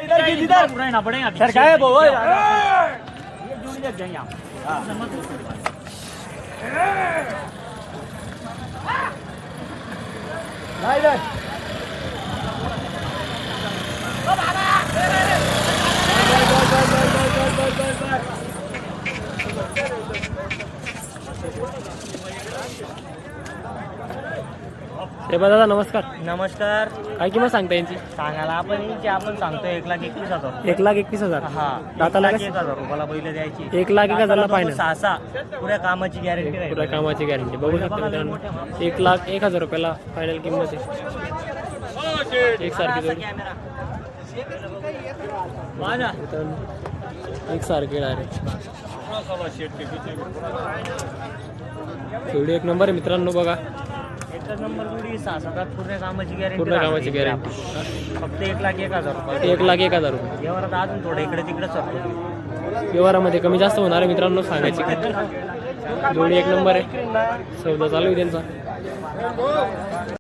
रहना पड़ेगा सर क्या है वो दादा नमस्कार. नमस्कार. काय किंमत सांगता यांची? सांगायला आपण सांगतो 1,21,000. 1,21,000. हा दाताला 1,01,000 रुपयाला बैल द्यायची. 1,01,000 फायनल. 6 पुऱ्या कामाची गॅरंटी राहील. पुऱ्या कामाची गॅरंटी बघू शकता मित्रांनो. 1,01,000 रुपयाला फायनल किंमत आहे. एक सारखी जोडी. एक सारखी डायरेक्ट जोडी एक नंबर आहे मित्रांनो. बघा एकच नंबर जोडी 6 पूर्ण कामाची गॅरंटी. पूर्ण कामाची गॅरंटी. फक्त 1,01,000 रुपये. 1,01,000 रुपये. व्यवहारात अजून थोडं इकडे तिकडे सरतो. व्यवहारामध्ये कमी जास्त होणार आहे मित्रांनो. सांगायची जोडी एक नंबर आहे. सौदा चालू आहे त्यांचा.